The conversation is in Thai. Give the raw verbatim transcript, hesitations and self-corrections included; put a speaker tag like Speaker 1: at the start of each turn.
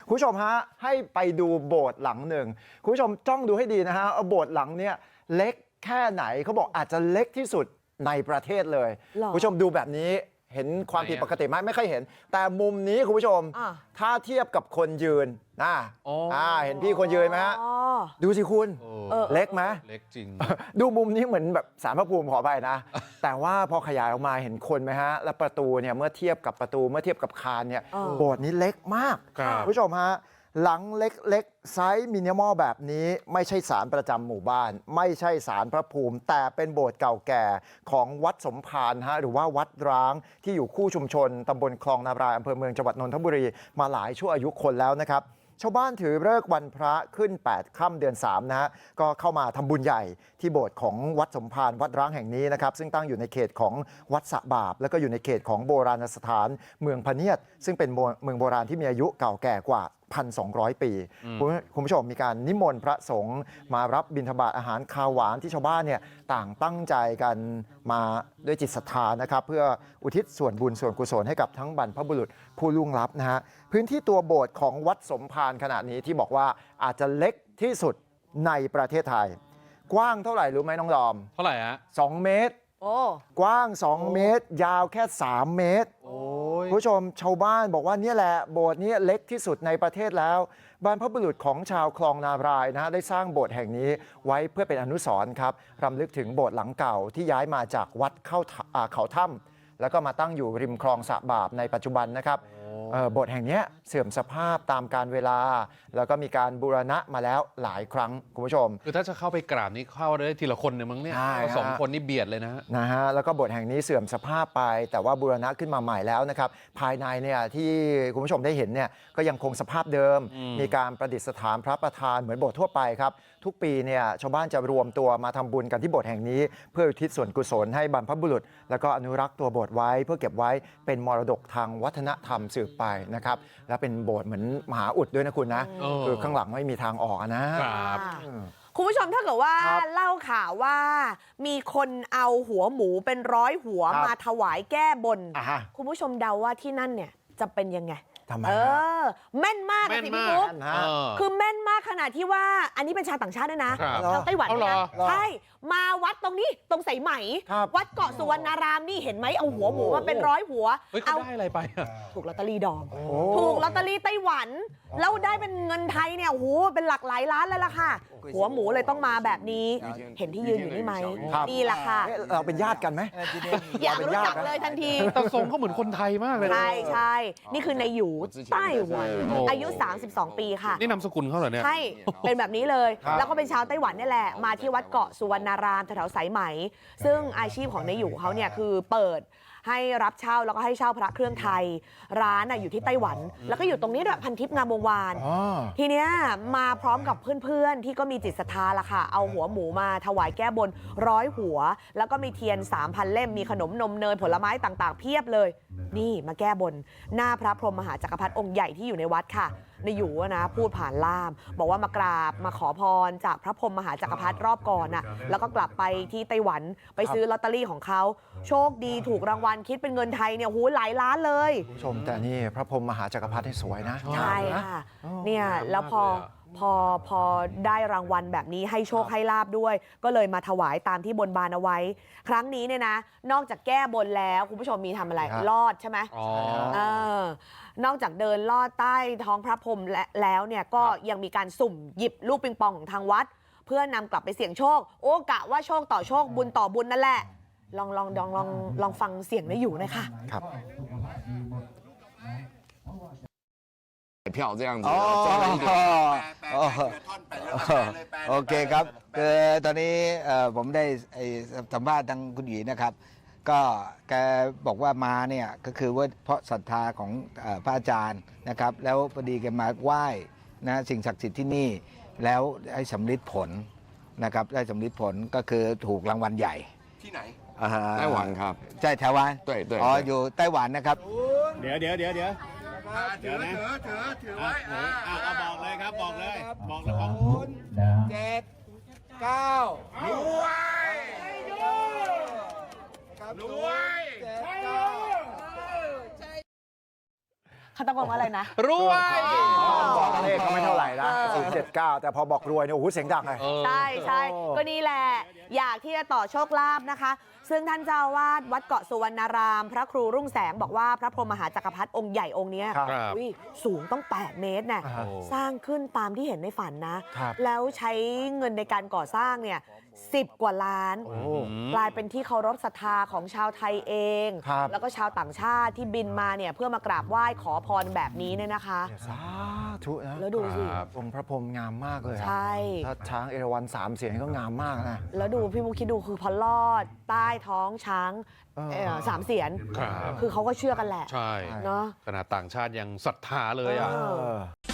Speaker 1: คุณผู้ชมฮะให้ไปดูโบสถ์หลังหนึ่งคุณผู้ชมจ้องดูให้ดีนะฮะโบสถ์หลังเนี้ยเล็กแค่ไหนเขาบอกอาจจะเล็กที่สุดในประเทศเลยคุณผู้ชมดูแบบนี้เห็นความผิดปกติไหมไม่ค่อยเห็นแต่มุมนี้คุณผู้ชมถ้าเทียบกับคนยืนนะอ่าเห็นพี่คนยืนไหมฮะดูสิคุณเล็กไหม
Speaker 2: เล็กจริง
Speaker 1: ดูมุมนี้เหมือนแบบศาลพระภูมิขอไปนะแต่ว่าพอขยายออกมาเห็นคนไหมฮะแล้วประตูเนี่ยเมื่อเทียบกับประตูเมื่อเทียบกับคานเนี่ยโบสถ์นี้เล็กมากคุณผู้ชมฮะหลังเล็กๆไซส์มินิมอลแบบนี้ไม่ใช่ศาลประจำหมู่บ้านไม่ใช่ศาลพระภูมิแต่เป็นโบสถ์เก่าแก่ของวัดสมภารฮะหรือว่าวัดร้างที่อยู่คู่ชุมชนตำบลคลองนาบรายอำเภอเมืองจังหวัดนนทบุรีมาหลายชั่วอายุคนแล้วนะครับชาวบ้านถือฤกษ์วันพระขึ้นแปดค่ำเดือนสามนะฮะก็เข้ามาทำบุญใหญ่ที่โบสถ์ของวัดสมภารวัดร้างแห่งนี้นะครับซึ่งตั้งอยู่ในเขตของวัดสะบาบแล้วก็อยู่ในเขตของโบราณสถานเมืองพะเนียดซึ่งเป็นเมืองโบราณที่มีอายุเก่าแก่กว่าหนึ่งพันสองร้อย ปีคุณผู้ชมมีการนิมนต์พระสงฆ์มารับบิณฑบาตอาหารคาวหวานที่ชาวบ้านเนี่ยต่างตั้งใจกันมาด้วยจิตศรัทธานะครับเพื่ออุทิศส่วนบุญส่วนกุศลให้กับทั้งบรรพบุรุษผู้ล่วงลับนะฮะพื้นที่ตัวโบสถ์ของวัดสมภารขณะนี้ที่บอกว่าอาจจะเล็กที่สุดในประเทศไทยกว้างเท่าไหร่รู้ไหมน้องดอม
Speaker 2: เท่าไหร่ฮะ
Speaker 1: สองเมตรโอ้กว้างสองเมตรยาวแค่สามเมตรคุณผู้ชมชาวบ้านบอกว่านี่แหละโบสถ์นี้เล็กที่สุดในประเทศแล้วบรรพบุรุษของชาวคลองนาบรายนะได้สร้างโบสถ์แห่งนี้ไว้เพื่อเป็นอนุสรณ์ครับรำลึกถึงโบสถ์หลังเก่าที่ย้ายมาจากวัดเข้าเขาถ้ำแล้วก็มาตั้งอยู่ริมคลองสะบาบในปัจจุบันนะครับโบสถ์แห่งนี้เสื่อมสภาพตามกาลเวลาแล้วก็มีการบูรณะมาแล้วหลายครั้งคุณผู้ชม
Speaker 2: คือถ้าจะเข้าไปกราบนี่เข้าได้ทีละคนเนี่ยมั้งเนี่ยสองคนนี่เบียดเลยนะ
Speaker 1: นะฮะแล้วก็โบสถ์แห่งนี้เสื่อมสภาพไปแต่ว่าบูรณะขึ้นมาใหม่แล้วนะครับภายในเนี่ยที่คุณผู้ชมได้เห็นเนี่ยก็ยังคงสภาพเดิมมีการประดิษฐานพระประธานเหมือนโบสถ์ทั่วไปครับทุกปีเนี่ยชาวบ้านจะรวมตัวมาทำบุญกันที่โบสถ์แห่งนี้เพื่ออุทิศส่วนกุศลให้บรรพบุรุษแล้วก็อนุรักษ์ตัวโบสถ์ไว้เพื่อเก็บไว้เป็นมรดกทางวัฒนธรรมสืบไปนะครับและเป็นโบสถ์เหมือนมหาอุดด้วยนะคุณนะคือข้างหลังไม่มีทางออกนะครับ
Speaker 3: คุณผู้ชมถ้าเกิดว่าเล่าข่าวว่ามีคนเอาหัวหมูเป็นร้อยหัวมาถวายแก้บนคุณผู้ชมเดาว่าที่นั่นเนี่ยจะเป็นยังไงเออแม่นมากสิพี่ปุ๊กคือแม่นมากขนาดที่ว่าอันนี้เป็นชาวต่างชาติด้วยนะชาวไต้หวันนะใช่มาวัดตรงนี้ตรงสายไหมวัดเกาะสุวรรณารามนี่เห็นไหมเอาหัวหมูมาเป็นร้อยหัว
Speaker 2: เอาได้อะไรไป
Speaker 3: ถูกลอตเตอรี่ดอมถูกลอตเตอรี่ไต้หวันแล้วได้เป็นเงินไทยเนี่ยโอ้โหเป็นหลักหลายล้านแล้วล่ะค่ะหัวหมูเลยต้องมาแบบนี้เห็นที่ยืนอยู่นี่ไหมนี่แหละค่ะ
Speaker 1: เราเป็นญาติกันไหม
Speaker 3: อยากรู้จักเลยทันที
Speaker 2: แต่ทรงเขาเหมือนคนไทยมากเลย
Speaker 3: ใช่ใช่นี่คือในหยูไต้หวันอายุสามสิบสองปีค่ะ
Speaker 2: นี่นามสกุลเขาเหรอเนี่ย
Speaker 3: ใช่เป็นแบบนี้เลยแล้วก็เป็นชาวไต้หวันนี่แหละมาที่วัดเกาะสุวรรณารามแถวๆสายไหมซึ่งอาชีพของในหยูเขาเนี่ยคือเปิดให้รับเช่าแล้วก็ให้เช่าพระเครื่องไทยร้านอยู่ที่ไต้หวันแล้วก็อยู่ตรงนี้ด้วยพันทิพย์งามวงวานทีเนี้ยมาพร้อมกับเพื่อนๆที่ก็มีจิตศรัทธาละค่ะเอาหัวหมูมาถวายแก้บนร้อยหัวแล้วก็มีเทียน สามพัน เล่มมีขนมนมเนยผลไม้ต่างๆเพียบเลยนี่มาแก้บนหน้าพระพรหมมหาจักรพรรดิองค์ใหญ่ที่อยู่ในวัดค่ะในอยู่นะพูดผ่านล่ามบอกว่ามากราบมาขอพรจากพระพรหมมหาจักรพรรดิรอบก่อนน่ะแล้วก็กลับไปที่ไต้หวันไปซื้อลอตเตอรี่ของเขาโชคดีถูกรางวัลคิดเป็นเงินไทยเนี่ยหูหลายล้านเลย
Speaker 1: ผู้ชมแต่นี่พระพรหมมหาจักรพรรดิสวยนะ
Speaker 3: ใช่ค่ะเนี่ยแล้วพอพอพอได้รางวัลแบบนี้ให้โชคให้ลาบด้วยก็เลยมาถวายตามที่บนบานเอาไว้ครั้งนี้เนี่ยนะนอกจากแก้บนแล้วคุณผู้ชมมีทำอะไรลอดใช่ไหมอ๋อเออนอกจากเดินลอดใต้ท้องพระพรหมแล้วเนี่ยก็ยังมีการสุ่มหยิบลูกปิงปองของทางวัดเพื่อนำกลับไปเสี่ยงโชคโอ้กะว่าโชคต่อโชคบุญต่อบุญนั่นแหละลองลองลองลองลองฟังเสียงได้อยู่นะคะ
Speaker 1: ครับ
Speaker 4: 票这样子
Speaker 5: 哦哦โอเคครับคือตอนนี้ผมได้สัมภาษณ์ทางคุณหยีนะครับก็แกบอกว่ามาเนี่ยก็คือว่าเพราะศรัทธาของพระอาจารย์นะครับแล้วพอดีแกมาไหว้นะสิ่งศักดิ์สิทธิ์ที่นี่แล้วให้สำลิดผลนะครับได้สำลิดผลก็คือถูกรางวัลใหญ่
Speaker 4: ที่ไหนไต้หวันครับ
Speaker 5: ใช่ไต้หวันอ๋ออยู่ไต้หวันนะครับ
Speaker 6: เดี๋ยวเดี๋ยวเดี๋ยวเดี๋ยว
Speaker 4: เดี๋ยวนะถือถือถือไว้
Speaker 6: เอาบอกเลยครับบอกเลยบอกเลยของ
Speaker 5: คุณเจ็ดเก้าร
Speaker 4: วยรวย
Speaker 3: เขาตะโกนว่าอะไรนะ
Speaker 2: รวย
Speaker 1: จ็ดเก้าแต่พอบอกรวยเนี่ยโอ้โหเสียงดังเลย
Speaker 2: เออ
Speaker 3: ใช่ใช่
Speaker 1: โอ้
Speaker 3: ก็นี่แหละ อยากที่จะต่อโชคลาภนะคะ ซึ่งท่านเจ้าอาวาสวัดเกาะสุวรรณาราม พระครูรุ่งแสงบอกว่าพระพรหมมหาจักรพรรดิองค์ใหญ่องค์เนี้ย
Speaker 1: ครับ
Speaker 3: อุ๊ยสูงต้องแปดเมตรน่ะ
Speaker 1: อ่า
Speaker 3: สร้างขึ้นตามที่เห็นในฝันนะ
Speaker 1: ครับ
Speaker 3: แล้วใช้เงินในการก่อสร้างเนี่ยสิบกว่าล้าน
Speaker 1: โอ้
Speaker 3: กลายเป็นที่เคารพศรัทธาของชาวไทยเอง
Speaker 1: ครับ
Speaker 3: แล้วก็ชาวต่างชาติที่บินมาเนี่ยเพื่อมากราบไหว้ขอพรแบบนี้เนี่ยนะคะ
Speaker 1: สาธุนะ
Speaker 3: แล้วดูสิ
Speaker 2: ครับ
Speaker 1: องค์พระพรหมงามมากเลยอะ
Speaker 3: ใช่
Speaker 1: ถ้าช้างเอราวัณสามเสียนก็งามมากนะ
Speaker 3: แล้วดูพี่มุกคิดดูคือพอลอดใต้ท้องช้าง
Speaker 1: เออ
Speaker 3: เอ่อสามเสียน
Speaker 2: ครับ
Speaker 3: คือเขาก็เชื่อกันแหละ
Speaker 2: ใช่
Speaker 3: เนาะ
Speaker 2: ขนาดต่างชาติยังศรัทธาเลยอ่ะ
Speaker 3: เอ
Speaker 1: เออ